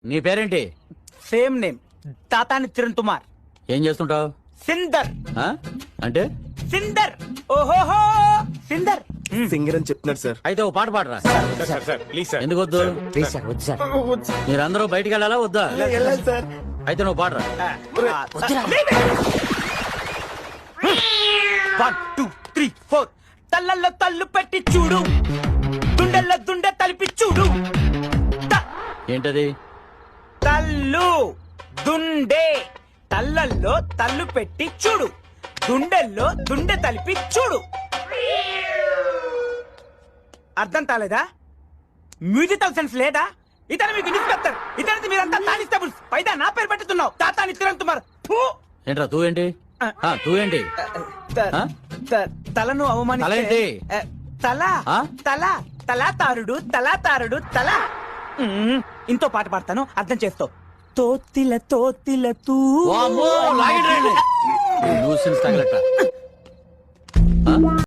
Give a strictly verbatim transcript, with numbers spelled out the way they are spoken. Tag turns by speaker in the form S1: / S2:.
S1: నీ పేరేంటి?
S2: Same name, Tatani Chiran Kumar.
S1: ఏం చేస్తుంటావు?
S2: సిందర్.
S1: ఆ? అంటే
S2: సిందర్. ఓహోహో సిందర్.
S3: సింగర్ అని చెప్తున్నాడు సార్.
S1: అయితే ఓ పాట పాడరా.
S4: Please sir.
S1: ఎందుకు వద్దు?
S5: ప్లీజ్ సార్ వద్దు సార్.
S1: మీరందరూ బయటికి వెళ్ళాలా వద్దా?
S3: వెళ్ళాలి సార్.
S1: అయితే నువ్వు పాడరా.
S2: One two three four. తల్లల్లో తల్లు పెట్టి చూడు, దుండల్లో దుండె తలిపి చూడు. త-
S1: ఏంటది?
S2: తల్లు దుండే. తల్లల్లో తల్లు పెట్టి చూడు, దుండెల్లో దుండె తలిపి చూడు. అర్థం కాలేదా? మ్యూజికల్ సెన్స్ లేదా? ఇతను మీకు ఇన్స్పెక్టర్, ఇతనికి మీరంతా కానిస్టేబుల్స్. పైదా నా పేరు పెట్టుతున్నావు, తాతాని చిరణ్ కుమార్. ఫు!
S1: ఏంట్రా తూ ఏంటి? ఆ, తూ ఏంటి?
S2: త-
S1: ఆ?
S2: త- తలను అవమానిస్తే
S1: తలేంటి?
S2: ఆ, తల
S1: ఆ?
S2: తల తలాతారుడు తలాతారుడు తల. మ్మ్. ఇంతో పాట పాడతాను, అర్థం చేస్తావు. తోతిల తోతిల తూ.
S1: వామ్మో, లాగండి రండి. ఈ న్యూసెన్స్ తగలట. ఆ?